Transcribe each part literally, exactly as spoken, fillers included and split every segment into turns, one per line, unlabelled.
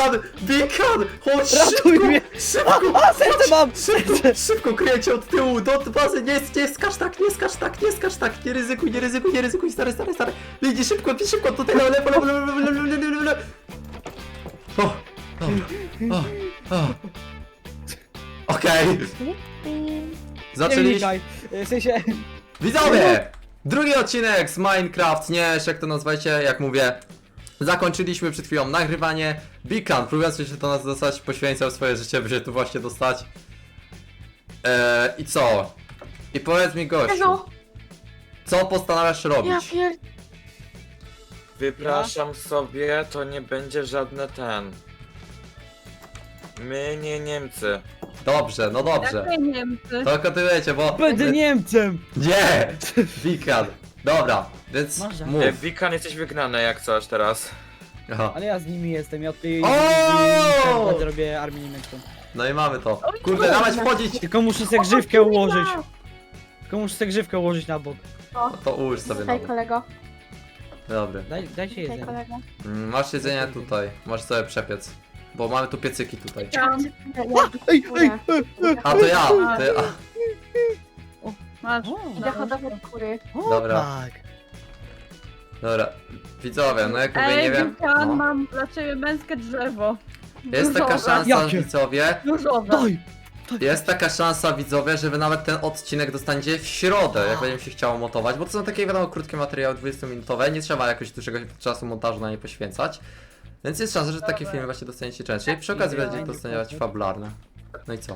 Beacon! Beacon! Chodź
Ratuj
szybko!
mnie!
Szybko!
A, serce mam!
Szybko, szybko kryjecie od tyłu, do bazy, nie, nie skacz tak, nie skacz tak, nie skacz tak, nie ryzykuj, nie ryzykuj, nie ryzykuj, stary, stary, stary. Lidi, szybko, szybko, tutaj lewo, lewo, lewo, lewo, lewo, lewo, lewo, lewo, lewo. O, dobra, o, o. Okej,
Nie
zaczęliśmy.
wnikaj. W sensie...
Widzowie! Drugi odcinek z Minecraft, nie, jak to nazwajcie, jak mówię. Zakończyliśmy przed chwilą nagrywanie. Beacon, próbując się do nas dostać, poświęcał swoje życie, by się tu właśnie dostać. Eee, i co? I powiedz mi, gościu,
Jezu,
co postanawiasz
ja
robić?
pier...
Wypraszam sobie, to nie będzie żadne ten. My nie Niemcy.
Dobrze, no dobrze.
Jakie Niemcy?
To kontynuujecie, bo...
Będę Niemcem!
Nie! Beacon. Dobra, więc
Może.
mów.
E, Wikan, jesteś wygnany jak coś teraz.
Aha.
Ale ja z nimi jestem, ja od tej...
O!
Będę robię armię niemiecką.
No i mamy to. Kurde, dawać wchodzić!
Tylko muszę sobie grzywkę ułożyć. Tylko muszę sobie grzywkę ułożyć na bok.
No to ułóż sobie
Tutaj
nowy.
kolego,
Dobry.
Daj, dajcie
tutaj
jedzenie.
kolego.
Mm, Masz jedzenie tutaj, możesz sobie przepiec. Bo mamy tu piecyki tutaj.
Ej, ej,
A to ja! To ja.
Masz.
O,
Idę hodować kury.
o,
Dobra.
tak.
Dobra, widzowie, no jak mówię,
Ej,
nie wiem.
Wikan,
No.
mam dla ciebie męskie drzewo.
Jest taka
Różowe.
szansa,
Jakie?
widzowie.
Różowe.
Daj!
Jest taka szansa, widzowie, że wy nawet ten odcinek dostaniecie w środę, jak będzie mi się chciało montować, bo to są takie, wiadomo, krótkie materiały dwudziestominutowe, nie trzeba jakoś dużego czasu montażu na nie poświęcać. Więc jest szansa, że takie filmy właśnie dostaniecie częściej. Przy okazji będziecie dostaniać fabularne. No i co?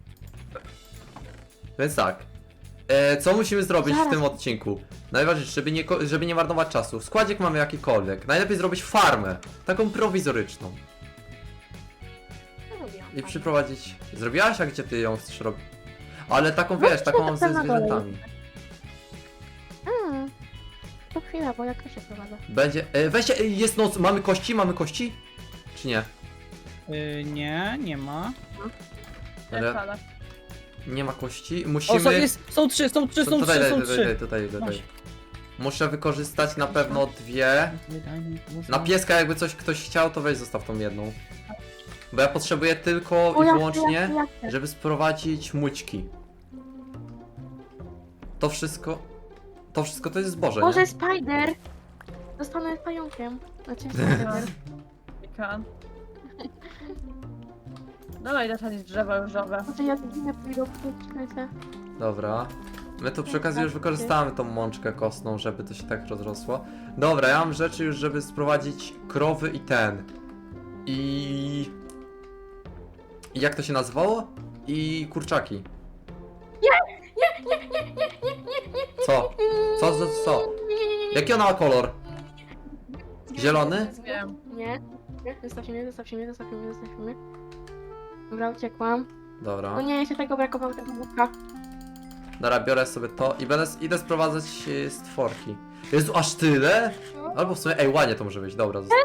Więc tak. E, co musimy zrobić w
Zaraz.
tym odcinku? Najważniejsze, żeby nie, ko- żeby nie marnować czasu. Składzik mamy jakikolwiek. Najlepiej zrobić farmę. Taką prowizoryczną. I przyprowadzić... Zrobiłaś? A gdzie ty ją chcesz robić? Ale taką, wiesz, taką mam ze
tam na dole.
zwierzętami.
Mm. To chwila, bo jak to się prowadza?
Będzie... E, weźcie, e, jest noc, mamy kości? Mamy kości? Czy nie?
Y, nie, nie ma.
Ale
Wcale.
nie ma kości?
O, są,
Musimy...
jest, są trzy, są trzy,
To
są
tutaj,
trzy,
tutaj,
są
tutaj,
trzy.
tutaj, tutaj,
Masz.
tutaj. Muszę wykorzystać na pewno dwie. Na pieska jakby coś ktoś chciał, to weź zostaw tą jedną. Bo ja potrzebuję tylko
O,
i
jak-
wyłącznie,
jak- jak- jak-
żeby sprowadzić mućki. To wszystko... To wszystko to jest zboże,
Może
nie?
spider! Zostanę pająkiem. Znaczy spider.
Wikan. Dawaj zasadzić drzewa różowe.
Może ja zginę pójdę w skrytę.
Dobra. My tu przy okazji już wykorzystamy tą mączkę kostną, żeby to się tak rozrosło. Dobra, ja mam rzeczy już, żeby sprowadzić krowy i ten. I... I jak to się nazywało? I kurczaki. Co? Co, co, co? Jaki ona ma kolor? Zielony?
Wiem.
Nie. Nie, zostawcie mnie, zostawcie mnie, zostawcie mnie, zostawcie mnie. Dobra, uciekłam.
Dobra.
No nie, jeszcze tego brakowało, tego buka.
Dobra, biorę sobie to i będę, idę sprowadzać e, stworki. Jezu, aż tyle? Albo w sumie, ej, ładnie to może być, dobra, zostawię.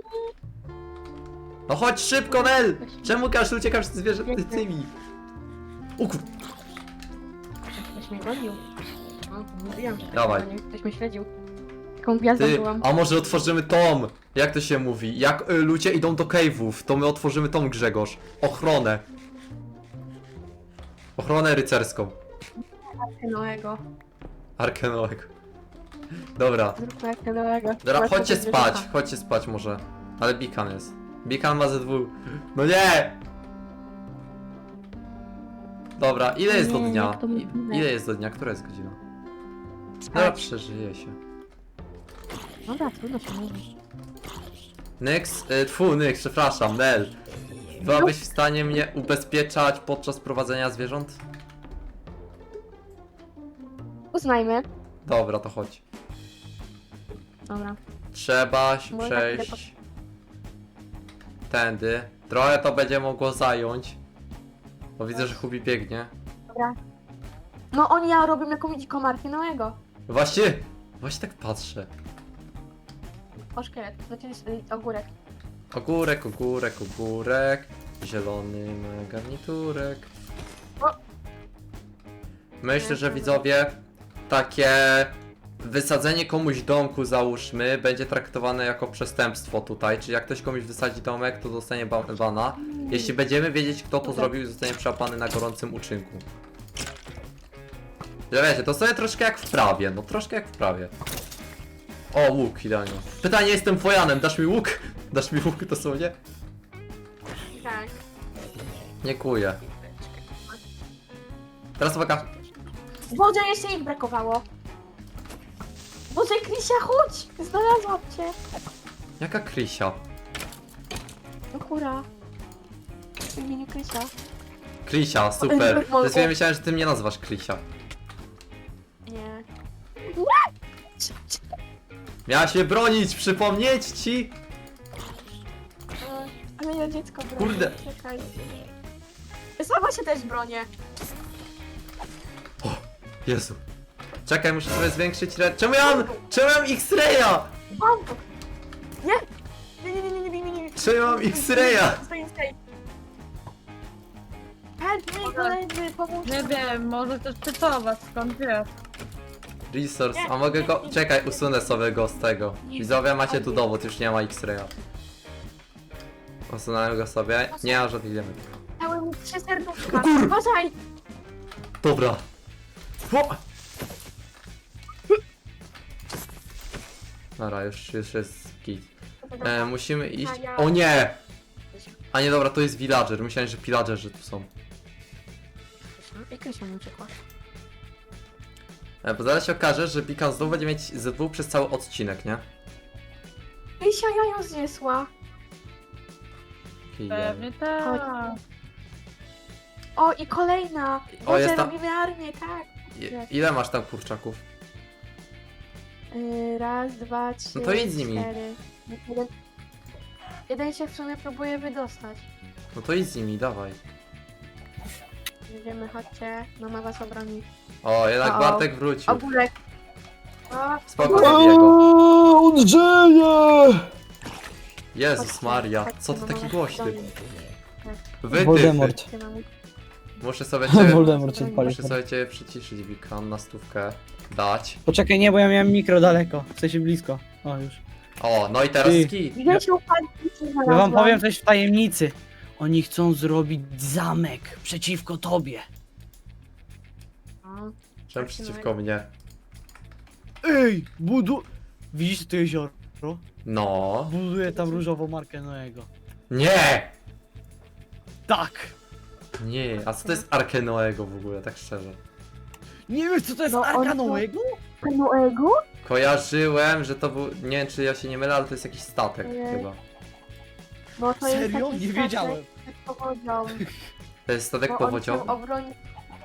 No chodź szybko, Nel! Czemu każdy uciekasz z zwierzęty tymi? O kur...
Ktoś mnie gonił. No, mówiłam, że
Dawaj.
tak, ktoś mnie śledził. Taką gwiazdą
Ty,
byłam.
a może otworzymy tom? Jak to się mówi? Jak y, ludzie idą do cave'ów, to my otworzymy tom, Grzegorz. Ochronę. Ochronę rycerską.
Noego.
Arkę Noego. Dobra.
Zróbmy Arkę Noego.
Dobra, chodźcie spać, chodźcie spać może. Ale Beacon jest. Beacon ma ze dwóch. No nie! Dobra, ile jest do
Nie,
dnia?
jak to
I,
mówimy.
ile jest do dnia? Która jest godzina? Dobra,
Spać.
przeżyje się.
Dobra, trudno się mówi.
Nyx, y, tfu, Nyx, przepraszam, Nel. Byłabyś w stanie mnie ubezpieczać podczas prowadzenia zwierząt?
Uznajmy.
Dobra, to chodź.
Dobra.
Trzeba się
Może chwilę
przejść tędy. Trochę to będzie mogło zająć. Bo widzę, że Hubi biegnie.
Dobra. No oni ja robią jakąś dziką Arkę Noego.
Właśnie, właśnie tak patrzę.
O szkielet, znaczy y, ogórek.
Ogórek, ogórek, ogórek. Zielony ma garniturek.
O!
Myślę, że widzowie takie wysadzenie komuś domku, załóżmy, będzie traktowane jako przestępstwo tutaj, czyli jak ktoś komuś wysadzi domek, to dostanie ba bana. Jeśli będziemy wiedzieć, kto to zrobił, zostanie przyłapany na gorącym uczynku. Że wiecie, to sobie troszkę jak w prawie, no troszkę jak w prawie. O, łuk, idealnie. Pytanie, jestem wojanem, dasz mi łuk? Dasz mi łuk dosłownie?
Tak.
Nie kuję. Teraz uwaga.
Boże, jeszcze ich brakowało. Boże, Krysia, chodź! Znalazłam cię.
Jaka Krysia?
No hura. W imieniu Krysia.
Krysia, super. Zresztą myślałem, że ty mnie nazywasz Krysia.
Nie.
Miałaś mnie bronić, przypomnieć ci!
A mnie dziecko broni.
Kurde.
Czekaj. Sama się też bronię.
Jezu. Czekaj, muszę sobie zwiększyć re... Czemu ja mam... Czemu ja mam X-raya?
Bambo! Nie! Nie, nie, nie, nie, nie, nie, nie.
Czemu ja mam X-raya?
Stoi, stoi. Help me, koledzy, pomóżcie.
Nie wiem, może też czytować, skąd wiesz.
Resource, a mogę go... Czekaj, usunę sobie go z tego. Widzowie, macie tu dowód, już nie ma X-raya. Usunąłem go sobie. Nie ma żadnych diamentów.
Dały mi trzy serduszka.
O kur-
Uważaj!
Dobra. O! Dobra, już, już jest git. E, musimy iść... O nie! A nie, dobra, to jest villager. Myślałem, że pillagerzy tu są.
I Krysia mi uciekła.
E, bo zaraz się okaże, że Pikan znowu będzie mieć ze dwóch przez cały odcinek, nie?
Krysia jajo zniesła.
Okej,
Pewnie tak.
O, i kolejna.
O,
Boże,
jest tam-
robimy armię, tak.
je- Ile masz tam kurczaków?
Yy, raz, dwa, trzy,
No to idź z nimi.
cztery. Jeden, jeden się w sumie próbuje wydostać.
No to idź z nimi, dawaj.
Idziemy, chodźcie. Mama was obroni.
O, jednak
O, o.
Bartek wrócił.
Ogórek. O,
Spoko,
ogórek.
zabiję go.
On żyje!
Jezus
Chodźcie,
Maria,
chodźcie,
co to
mama
taki
was
głośny?
obroni.
Wytyfy.
Voldemort.
Chodźcie, mamo.
Muszę sobie cię...
Voldemort się odpalił.
Muszę sobie cię przyciszyć, Wikan, na stówkę. Dać.
Poczekaj, nie, bo ja miałem mikro daleko. W sensie blisko. O, już.
O, no i teraz
Ty.
skit.
Gdzieś upadł,
Ja wam powiem coś w tajemnicy. Oni chcą zrobić zamek przeciwko tobie.
Czemu przeciwko mnie?
Ej, budu... Widzisz to jezioro?
No.
Buduję tam różową markę Noego.
Nie!
Tak!
Nie, a co to jest Arkę Noego w ogóle, tak szczerze?
Nie wiesz co to jest
No,
Arka
on to-
Noego?
Noego?
Kojarzyłem, że to był... Nie wiem, czy ja się nie mylę, ale to jest jakiś statek
Nie.
chyba.
Bo to jest
Serio?
taki
Nie
statek
wiedziałem.
z powodzią.
To jest statek
Bo on
powodziowy?
chciał obronić...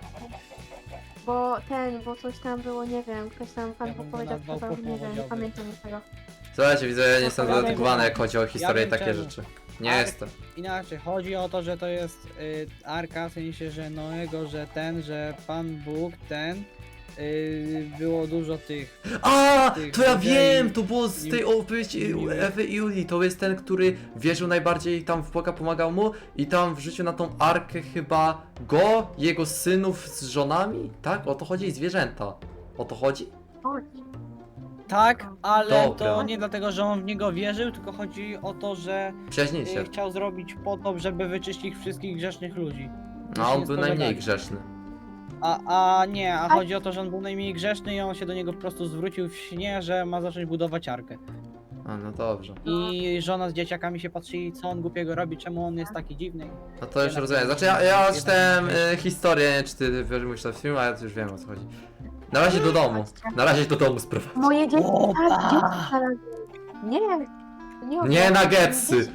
Bo ten, bo coś tam było, nie wiem, ktoś tam pan
Ja bym go
powiedział,
nazwał
kto to, nie wiem, nie
powodziowy.
pamiętam tego.
Słuchajcie, widzę, ja nie jestem
Ja wiem,
dedykowany,
że-
jak chodzi o historię
ja
i
wiem
takie
czemu.
rzeczy. Nie
Ale-
jestem.
Inaczej, chodzi o to, że to jest y, Arka, w sensie, że Noego, że ten, że Pan Bóg, ten, y, było dużo tych...
A,
tych
to ja
ludzi
wiem,
i-
to było z
i-
tej opowieści
i-
Ewy i Julii, to jest ten, który wierzył najbardziej tam w Boga, pomagał mu i tam wrzucił na tą arkę chyba go, jego synów z żonami, tak? O to chodzi i zwierzęta. O to chodzi?
Chodź.
Tak, ale
Dobra.
to nie dlatego, że on w niego wierzył, tylko chodzi o to, że
Przyjaźnij
y,
się.
chciał zrobić potop, żeby wyczyścić wszystkich grzesznych ludzi.
No, on
nie
był
spowiadali.
najmniej grzeszny.
A, a nie, a chodzi o to, że on był najmniej grzeszny i on się do niego po prostu zwrócił w śnie, że ma zacząć budować arkę.
A, no dobrze.
I żona z dzieciakami się patrzyli, co on głupiego robi, czemu on jest taki dziwny.
No to już
Jednak-
rozumiem. Znaczy ja, ja
jednak-
czytałem e, historię, nie wiem, czy ty wiesz, mówisz to w filmie, ale już wiem o co chodzi. Na razie do domu. Na razie do domu sprowadź.
Moje dziecko,
Opa!
tak, dziecko znalazłem. Nie, nie
Nie
oddam.
nuggetsy!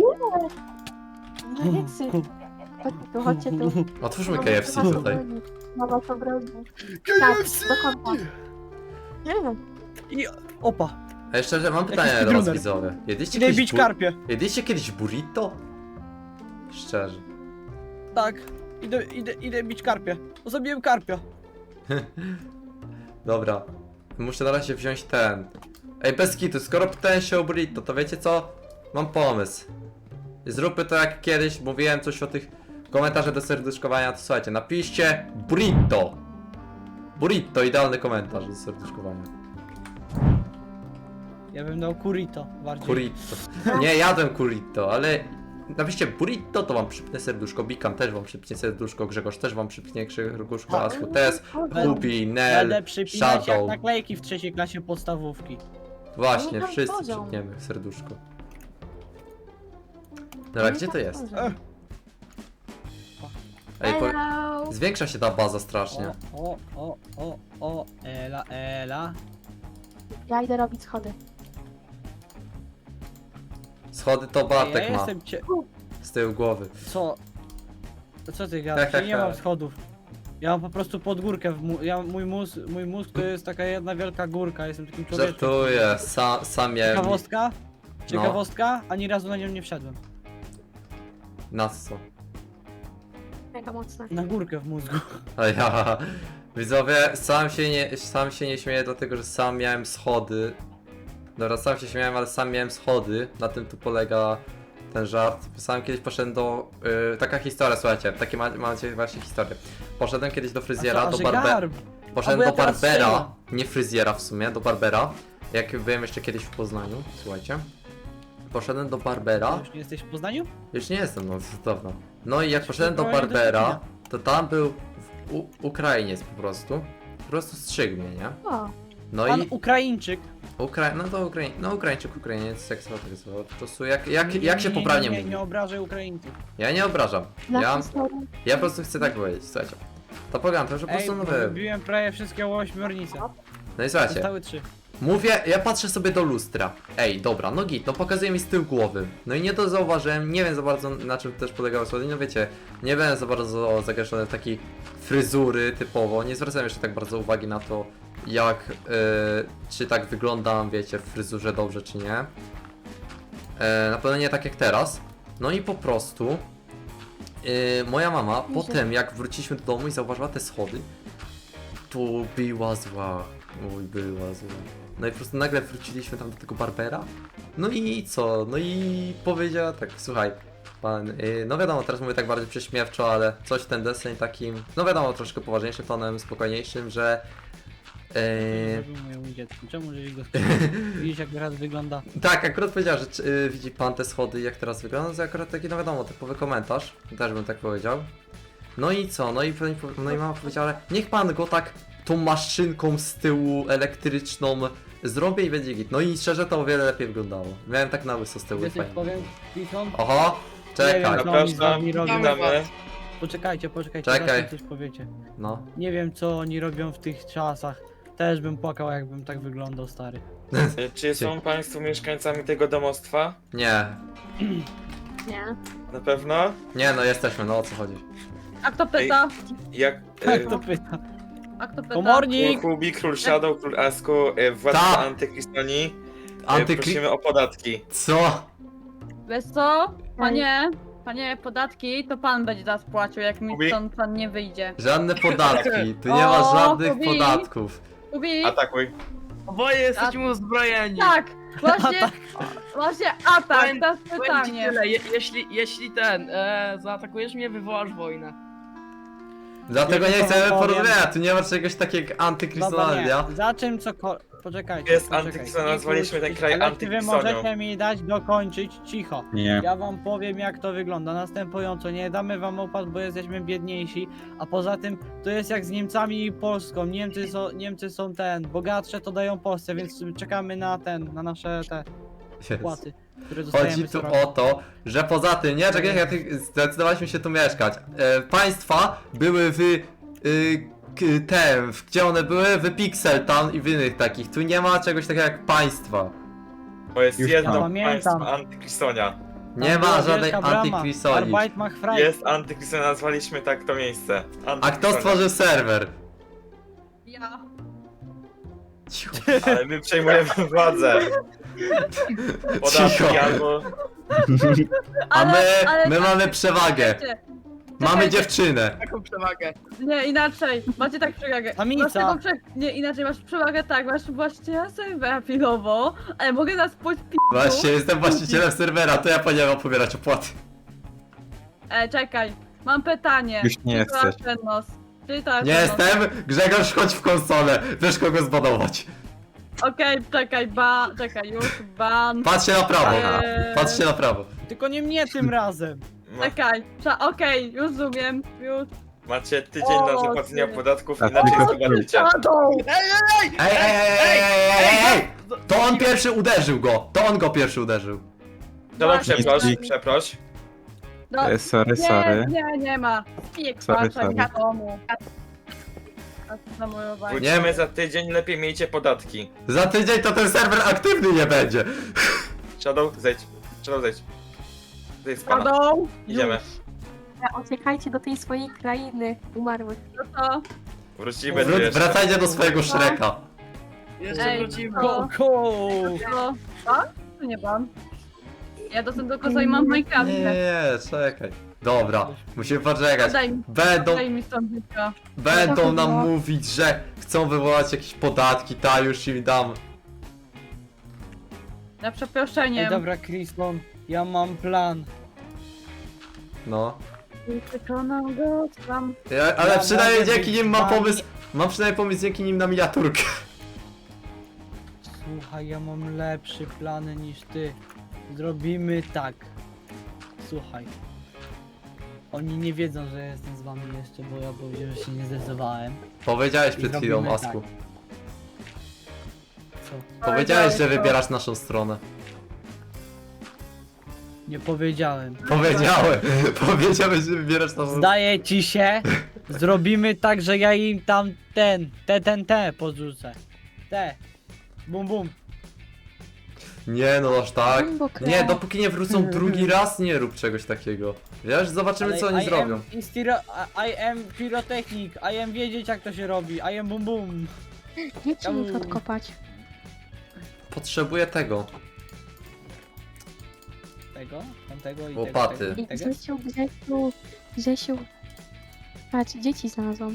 Nie, nuggetsy. Chodźcie tu, chodźcie tu.
Otwórzmy
Mama
K F C
was
tutaj.
obroni. Mama to broni. Tak, do końca. Nie,
Opa!
A jeszcze że mam pytanie
Jakiś
do was
gruner.
widzowie. Jedliście
Idę
kiedyś,
bić
bu-
karpie.
jedliście kiedyś burrito? Szczerze.
Tak. Idę, idę, idę bić karpie. Zabiłem karpia.
Dobra. Muszę na razie wziąć ten. Ej, bez kitu, skoro pytałem się o burrito, to wiecie co? Mam pomysł. Zróbmy to jak kiedyś, mówiłem coś o tych komentarzach do serduszkowania, to słuchajcie, napiszcie burrito. Burrito, idealny komentarz do serduszkowania.
Ja bym dał kurito bardziej.
Burrito. Nie, jadłem burrito, ale napiszcie burrito, to wam przypnę serduszko, Bikam też wam przypnie serduszko, Grzegorz też wam przypnie serduszko, Asku też, Kubi,
Będę
Nel,
przypinać jak
Shadow.
naklejki w trzeciej klasie podstawówki.
Właśnie,
No, tam
wszyscy
poziom.
przypniemy serduszko. Dobra, gdzie to jest? Ej, po...
Hello.
Zwiększa się ta baza strasznie.
O, o, o, o, o, ela, ela.
Ja idę robić schody.
Schody to
Ej,
Bartek
ja
ma
jestem cie...
z tyłu głowy.
Co? Co ty gadasz? Ja nie
Ha, ha,
mam
ha.
schodów. Ja mam po prostu podgórkę w mu... ja, mój, mózg, mój mózg to jest taka jedna wielka górka, jestem takim człowiekiem.
Żartuję, sam, sam miałem...
Ciekawostka?
No.
Ciekawostka? Ani razu na nią nie wszedłem.
Na co?
Mega mocne.
Na górkę w mózgu.
A ja... Widzowie, sam się nie, sam się nie śmieję dlatego, że sam miałem schody. Dobra, sam się śmiałem, ale sam miałem schody. Na tym tu polega ten żart. Sam kiedyś poszedłem do... Yy, taka historia, słuchajcie, takie ma, macie właśnie historię. Poszedłem kiedyś do fryzjera,
A co,
do
że
barbera.
garb?
Poszedłem
A, bo
do
ja teraz
barbera,
strzelam.
nie fryzjera w sumie, do barbera. Jak byłem jeszcze kiedyś w Poznaniu, słuchajcie. Poszedłem do barbera.
Już nie jesteś w Poznaniu?
Już nie jestem, no z dawno. No i jak poszedłem do
Próbowałem do
barbera,
Szczecina.
to tam był w- u, Ukrainiec po prostu. Po prostu strzygł mnie, nie?
O,
No
Pan
i
Ukraińczyk.
Ukra... no to Ukraiń... no Ukraińczyk, Ukrainiec, jak sobie tak zwał. Po prostu jak, jak,
Nie,
jak się
nie,
poprawnie
nie,
mówi.
nie obrażaj Ukraińców.
Ja nie obrażam.
dla
Ja,
historii.
ja po prostu chcę tak powiedzieć, słuchajcie. To pogadam, to że po
Ej,
prostu no
bo
wy.
wybiłem prawie wszystkie ośmiornice.
No i słuchajcie.
Zostały trzy.
Mówię, ja patrzę sobie do lustra. Ej, dobra, no git, no pokazuje mi z tyłu głowy. No i nie to zauważyłem, nie wiem za bardzo na czym też polegało słody. No wiecie, nie byłem za bardzo zagęszczony w takiej fryzury typowo. Nie zwracałem jeszcze tak bardzo uwagi na to, jak, yy, czy tak wyglądam, wiecie, w fryzurze dobrze, czy nie. Yy, na pewno nie tak jak teraz. No i po prostu, yy, moja mama,
Nie
potem jak wróciliśmy do domu i zauważyła te schody, to była zła. Oj, była zła. No i po prostu nagle wróciliśmy tam do tego barbera. No i co? No i powiedziała tak, słuchaj, pan, yy, no wiadomo, teraz mówię tak bardziej prześmiewczo, ale coś w ten deseń takim, no wiadomo, troszkę poważniejszym tonem, spokojniejszym, że... Yy,
Zrobił mojemu dziecku. Czemu żeś go widzisz jak teraz wygląda?
tak, akurat powiedziała, że czy, yy, widzi pan te schody, jak teraz wygląda, to akurat taki, no wiadomo, typowy komentarz, też bym tak powiedział. No i co? No i, no i mama powiedziała, że niech pan go tak tą maszynką z tyłu elektryczną zrobię i będzie git. No i szczerze to o wiele lepiej wyglądało. Miałem tak na łyso z tyłu,
Wiesz, jak
fajnie.
powiem, Piton?
Oho,
Nie
czekaj,
wiem, co oni z
Zapraszam,
wami robią.
witamy.
Poczekajcie, poczekajcie,
Czekaj.
zaraz mi coś powiecie.
no.
Nie wiem co oni robią w tych czasach. Też bym płakał jakbym tak wyglądał, stary.
Y, Czy są państwo mieszkańcami tego domostwa?
Nie,
Nie.
Na pewno?
nie no jesteśmy, no o co chodzi.
A kto pyta?
Jak...
Tak
Y,
to pyta.
A kto pyta?
Komornik!
Król Kubi, Król Shadow, Król Asku, y, władca
Tak.
Antykrystoni. Y,
Antykry...
prosimy o podatki.
Co?
Wiesz co? Panie, panie, podatki to pan będzie teraz płacił, jak mi
Kubi?
stąd pan nie wyjdzie.
Żadne podatki, tu nie ma
O,
żadnych
Kubi.
podatków.
Kubi?
Atakuj.
Oboje jesteśmy uzbrojeni.
Tak! Właśnie, właśnie atak,
Powiem-
teraz
Powiem ci
pytanie.
tyle, je, jeśli, jeśli ten, e, zaatakujesz mnie, wywołasz wojnę.
Dlatego
Ja
nie
tylko
chcemy
powiem-
porozmawiać, tu nie ma czegoś takiego jak
Dobra,
antykrystonalia.
nie. Za czym cokolwiek. Poczekajcie.
Jest
poczekajcie.
antykrystona,
Nie
nazwaliśmy ten
kłóćcie
kraj
się, ale czy wy
antykrystonią.
możecie mi dać dokończyć cicho.
Nie.
Ja wam powiem jak to wygląda następująco. Nie damy wam opłat, bo jesteśmy biedniejsi. A poza tym to jest jak z Niemcami i Polską. Niemcy są, Niemcy są ten, bogatsze to dają Polsce, więc czekamy na ten, na nasze te opłaty, które dostajemy
Chodzi
co
tu
roku.
o to, że poza tym, nie, czekaj, ja ty- zdecydowaliśmy się tu mieszkać. E, państwa były w... Y, k- tem, w- gdzie one były? W Pixel Town i w innych takich. Tu nie ma czegoś takiego jak państwa.
Bo jest
Już
jedno
tam.
państwo
Pamiętam.
Antykrystonia.
Tam
Nie
była
ma żadnej
wielka brama.
antykrisoli.
Arbeit macht frei.
Jest Antykrystonia, nazwaliśmy tak to miejsce.
A kto
Antykrystonia.
stworzył serwer?
Ja.
Cicho.
Ale my przejmujemy władzę. Podatki
Cicho.
albo...
A
Ale-
my,
ale
my
tak-
mamy przewagę.
Czekajcie,
Mamy
czekajcie.
dziewczynę.
Taką przewagę.
Nie, inaczej. Macie tak przewagę.
Samica.
Masz taką prze... Nie, inaczej masz przewagę tak, masz właściciela serwera chwilowo, ale mogę nas pójść p***u.
Właśnie, jestem właścicielem serwera, to ja powinienem pobierać opłaty.
E, czekaj, mam pytanie.
Już nie
Czy to
chcesz.
Atenos? Czy to
Nie
Atenos?
jestem. Grzegorz, chodź w konsolę. Wiesz kogo zbanować.
Okej, czekaj, ban, czekaj, już, ban.
Patrzcie na prawo.
Eee,
Patrzcie na prawo.
Tylko nie mnie tym razem.
Ma,
Czekaj, cza- okej, już rozumiem, już.
macie tydzień na
O,
zapłacenie
ty.
podatków,
A
inaczej
tylko-
zobaczycie.
Shadow!
Ej, ej, ej, ej, ej, ej, ej! To on pierwszy uderzył go. To on go pierwszy uderzył.
Dobra,
Właśnie.
przeproś, przeproś.
No,
E, Sorry,
nie,
sorry.
nie, nie ma. Pik,
Sorry,
patrzę,
sorry.
wiadomo. A to za moją bajkę.
Wrócimy za tydzień, lepiej miejcie podatki.
Za tydzień to ten serwer aktywny nie będzie.
Shadow, zejdź. Shadow, zejdź. Zejdź z pana.
Shadow!
Idziemy.
Dobra, Uciekajcie do tej swojej krainy umarłych.
No to,
Wrócimy tu
Wró-
jeszcze.
wracajcie do swojego Shreka.
Jeszcze
Ej,
wrócimy.
to-
Go, go!
to, ban? Czy nie ban? Ja dostęp do koza i mam Minecraft.
Nie, nie, czekaj. Dobra, musimy poczekać.
Daj mi,
Będą,
daj mi stąd życia.
będą nam mówić, że chcą wywołać jakieś podatki, ta już im dam.
Na
Ej,
przeproszenie.
dobra, Kriston, ja mam plan.
No.
I przekonam go, tam.
Ja, ale
Ja
przynajmniej
mogę
dzięki
być
nim mam
wami.
pomysł. Mam przynajmniej pomysł dzięki nim na miniaturkę.
Słuchaj, ja mam lepszy plan niż ty. Zrobimy tak. Słuchaj. Oni nie wiedzą, że jestem z wami jeszcze, bo ja powiedziałem, że się nie zdecydowałem.
Powiedziałeś
I
przed chwilą,
zrobimy
Asku.
Co?
Powiedziałeś, że
to.
wybierasz naszą stronę.
Nie powiedziałem.
Powiedziałem. Powiedziałeś, że wybierasz naszą stronę.
Zdaje ci się? Zrobimy tak, że ja im tam ten, te, ten, te podrzucę. Te. Bum, bum.
Nie no, aż tak.
Głęboko.
Nie, dopóki nie wrócą drugi raz, nie rób czegoś takiego. Wiesz, zobaczymy co oni
I
zrobią.
Am instiro, I am pyrotechnik, I am wiedzieć jak to się robi, I am bum bum.
Idźcie ich odkopać.
Potrzebuję tego.
Tego, tamtego i
Łopaty.
tego,
I
tego, tego.
Grzesiu, Grzesiu, Grzesiu. Patrz, dzieci znalazłam.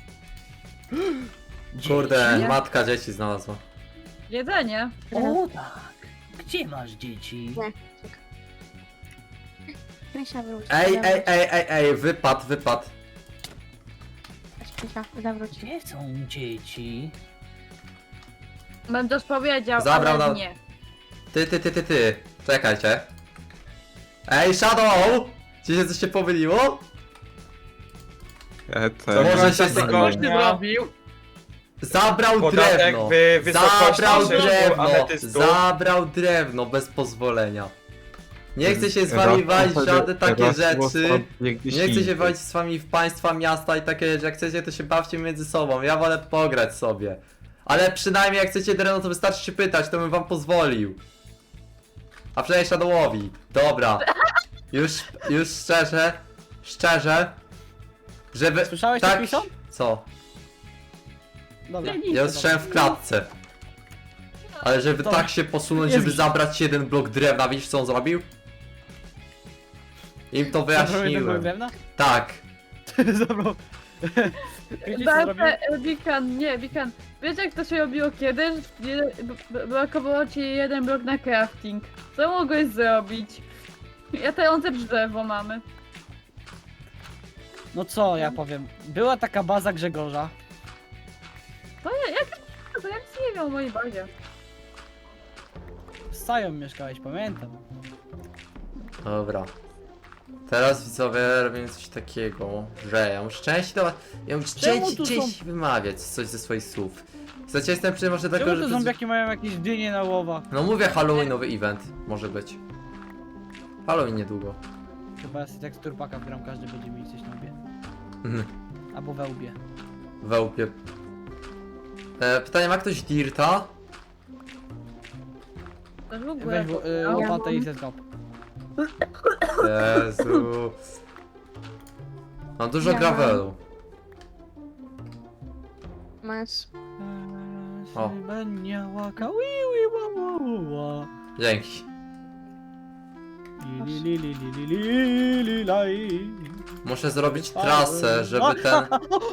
Kurde,
Nie?
matka dzieci znalazła.
Jedzenie.
O tak, gdzie masz dzieci?
Krysia wróć.
Ej,
zawróć.
ej, ej, ej, ej, wypad, wypad.
Patrz, Krysia, zawróć.
Gdzie są dzieci?
Bym też powiedział,
Zabrał
ale
na-
nie.
Ty, ty, ty, ty, ty. Czekajcie. Ej, Shadow! Ci się coś się pomyliło?
E,
To
to...
może się
Tylko-
z...
Coś ty zrobił?
Zabrał
Podatek
drewno.
w wysokości
Zabrał
sześciu
drewno.
ametystu.
Zabrał drewno bez pozwolenia. Nie chcę się z
Raz
wami walić w
sobie-
żadne takie
raz
rzeczy.
dosłownie gdzieś
Nie chcę się
indziej.
walić z wami w państwa, miasta i takie rzeczy. Jak chcecie, to się bawcie między sobą. Ja wolę pograć sobie. Ale przynajmniej jak chcecie drewno, to wystarczy się pytać, to bym wam pozwolił. A przynajmniej Shadowowi. Dobra. Już, już szczerze, szczerze, żeby...
Słyszałeś to,
tak,
Krison?
co?
Dobra.
Ja usłyszałem w klatce. Ale żeby
Dobra.
tak się posunąć,
Jest
żeby zabrać jeden blok drewna, widzisz co on zrobił? Im to
Zabrał jeden blok
wyjaśniłem.
drewna?
Tak.
Zabrał. Wiecie co zrobił?
Belte, Bikan, nie, Bikan. Wiesz jak to się robiło kiedyś? Nie- b- b- Brakowało ci jeden blok na crafting. Co mogłeś zrobić? Latające drzewo mamy.
No co ja powiem, była taka baza Grzegorza.
To ja, jak to ja nic nie wiem o mojej bazie.
Z Sają mieszkałeś, pamiętam.
Dobra. Teraz widzowie robimy coś takiego, że ja muszę częściej do was... Ja muszę
Czemu
częściej,
tu są-
częściej wymawiać coś ze swoich słów. Chcecie, jestem przy może tego,
Czemu
że...
te
to-
zombiaki mają jakieś dynie na łowach?
No mówię, Halloweenowy event może być. Halloween niedługo.
Chyba jest tekstur paka w gram, każdy będzie mieć coś na łbie.
Mhm.
Albo we łbie.
We łbie. E, pytanie, ma ktoś Dirta?
To w ogóle.
Weź y,
to-
łopatę i zeskop.
Jezu. Mam dużo
Ja
gravelu.
Masz.
O.
Będzie łaka, wi, wi, wa, wa, wa.
Dzięki.
Li, li, li, li, li, li, li, laj.
Muszę zrobić trasę, żeby ten...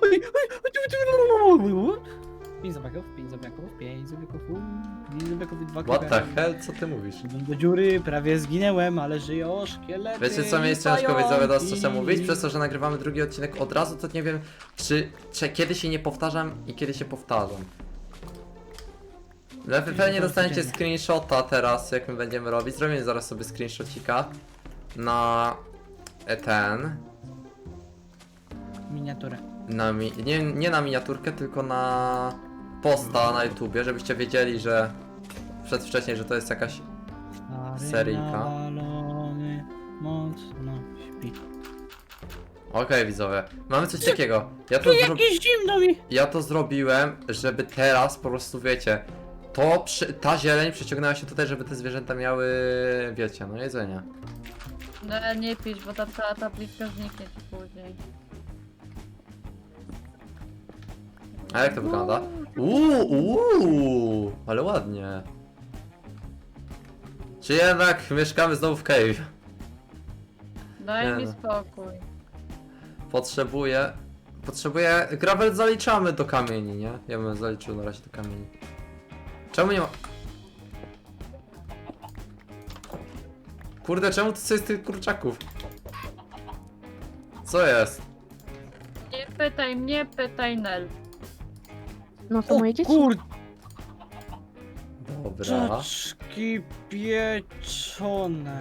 Pięć zombiaków, pięć zombiaków, pięć zombiaków, pięć zombiaków i dwa
What the
creepery.
hell? Co ty mówisz?
Szedłem do dziury, prawie zginęłem, ale żyją szkielety.
Wiecie co mi jest ciężko
pająki.
widzowie teraz czasem mówić? Przez to, że nagrywamy drugi odcinek od razu, to nie wiem, czy, czy kiedy się nie powtarzam i kiedy się powtarzam. No wy pewnie
to
dostaniecie
codziennie.
screenshota teraz, jak my będziemy robić. Zrobimy zaraz sobie screenshotika na e, ten.
Miniaturę.
Na mi nie, nie na miniaturkę, tylko na posta na YouTubie, żebyście wiedzieli, że przedwcześnie, że to jest jakaś.
Stary
Seryjka.
nawalony mocno śpi.
Okej, widzowie. Mamy coś takiego. Ja to, zro...
Jakieś zimno mi!
ja to zrobiłem, żeby teraz po prostu wiecie. To przy... ta zieleń przyciągnęła się tutaj, żeby te zwierzęta miały, wiecie, no jedzenie.
No nie pisz, bo ta cała tabliczka zniknie ci później.
A jak to wygląda? Uuu, uuu, ale ładnie. Czy jednak mieszkamy znowu w cave?
Daj
Nie
mi
no.
spokój.
Potrzebuję... Potrzebuję... Gravel zaliczamy do kamieni, nie? Ja bym zaliczył na razie do kamieni. Czemu nie ma... Kurde, czemu to jest tych kurczaków? Co jest?
Nie pytaj mnie, pytaj Nel.
No to moje dzieci.
Kurde,
Dobra.
czaczki pieczone.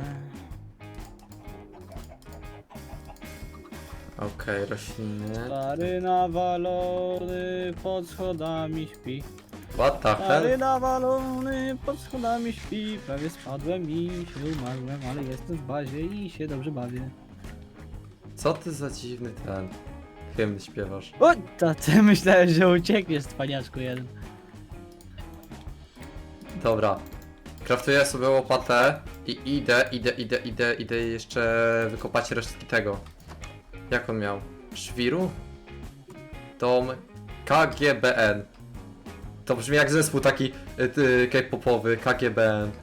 Okej, rośliny.
Stary nawalony pod schodami śpi.
What the
Stary
hell?
nawalony pod schodami śpi. Prawie spadłem i się umarłem, ale jestem w bazie i się dobrze bawię.
Co ty za dziwny ten hymn śpiewasz?
O, to ty myślałem, że uciekniesz, cwaniaczku jeden.
Dobra. Kraftuję sobie łopatę i idę, idę, idę, idę, idę jeszcze wykopać resztki tego. Jak on miał? Szwiru? Dom K G B N. To brzmi jak zespół taki y, y, K-popowy, K G B N.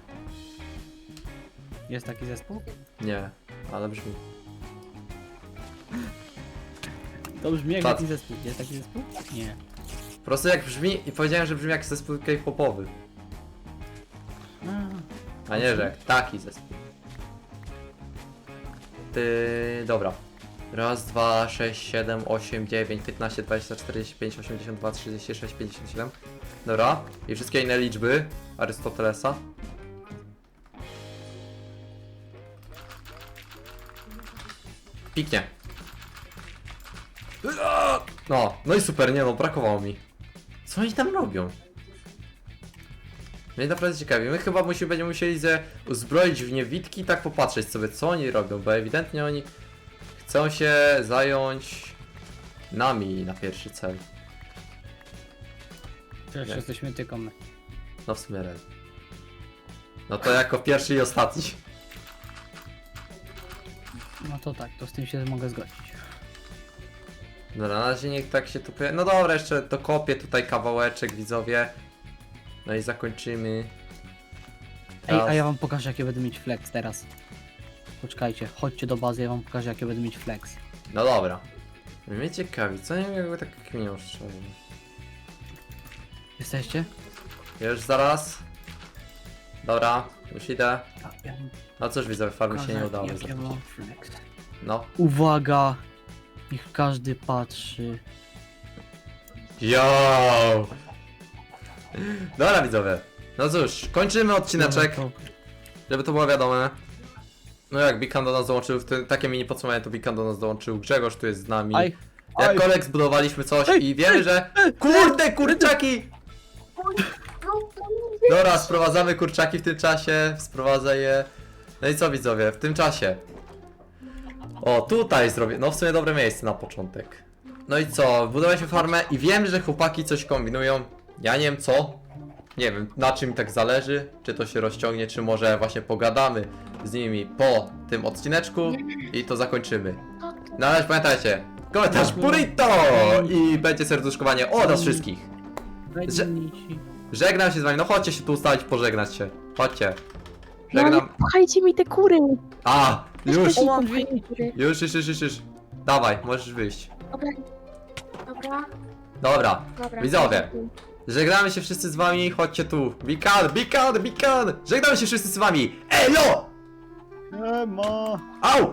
Jest taki zespół?
Nie, ale brzmi.
To brzmi jak
Tak.
taki zespół. Jest taki zespół? Nie.
Po prostu jak brzmi i powiedziałem, że brzmi jak zespół K-popowy.
A,
A nie, że jak taki zespół. Ty, dobra. Raz, dwa, sześć, siedem, osiem, dziewięć, piętnaście, dwadzieścia, czterdzieści pięć, osiemdziesiąt dwa, trzydzieści sześć, pięćdziesiąt siedem. Dobra. I wszystkie inne liczby Arystotelesa. Piknie. No, no i super, nie no, brakowało mi. Co oni tam robią? Mnie naprawdę ciekawi. My chyba musimy, będziemy musieli ze uzbroić w niewidki i tak popatrzeć sobie, co oni robią, bo ewidentnie oni chcą się zająć nami na pierwszy cel.
przecież
Nie.
jesteśmy tylko my.
No w sumie red. No to jako pierwszy i ostatni.
No to tak, to z tym się mogę zgodzić.
Dobra, na razie niech tak się tu pojawi. No dobra, jeszcze dokopię tutaj kawałeczek, widzowie. No i zakończymy.
Ej,
Raz.
a ja wam pokażę jakie będę mieć flex teraz. Poczekajcie, chodźcie do bazy, ja wam pokażę jakie będę mieć flex.
No dobra. Mnie ciekawi, co nie jakby tak kminią szczerze.
Jesteście?
Już zaraz. Dobra, już idę.
Ja, ja wam
No cóż, widzowie, farmy się
pokażę,
nie udało
jak ja
zakończyć.
mam flex.
No.
Uwaga! Niech każdy patrzy.
Yo! Dobra, widzowie. No cóż, kończymy odcineczek,
Dobra,
żeby to było wiadome. No jak Bikan do nas dołączył, w tym, takie mini podsumowanie to Bikan do nas dołączył, Grzegorz tu jest z nami.
to- Aj,
Jak
aj.
kolek zbudowaliśmy coś
Ej,
i wiemy, że... Kurde, kurczaki! Dobra, sprowadzamy kurczaki w tym czasie, sprowadzę je. No i co, widzowie, w tym czasie? O, tutaj zrobię, no w sumie dobre miejsce na początek. No i co, budowaliśmy farmę i wiem, że chłopaki coś kombinują. Ja nie wiem co. Nie wiem, na czym tak zależy, czy to się rozciągnie, czy może właśnie pogadamy z nimi po tym odcineczku i to zakończymy. No ale pamiętajcie, komentarz burrito i będzie serduszkowanie od nas wszystkich.
Wejdziecie.
Żegnam się z wami, no chodźcie się tu ustawić, pożegnać się. Chodźcie.
No ale
Żegnam.
pchajcie mi te kury.
A, już,
Weź
O, mam
pchaj te kury.
już, już, już, już, już. Dawaj, możesz wyjść.
Dobra. Dobra,
Dobra,
dobra.
widzowie. Żegnamy się wszyscy z wami, chodźcie tu. Bikan, Bikan, Bikan! Żegnamy się wszyscy z wami. Elo!
Nie ma.
Au!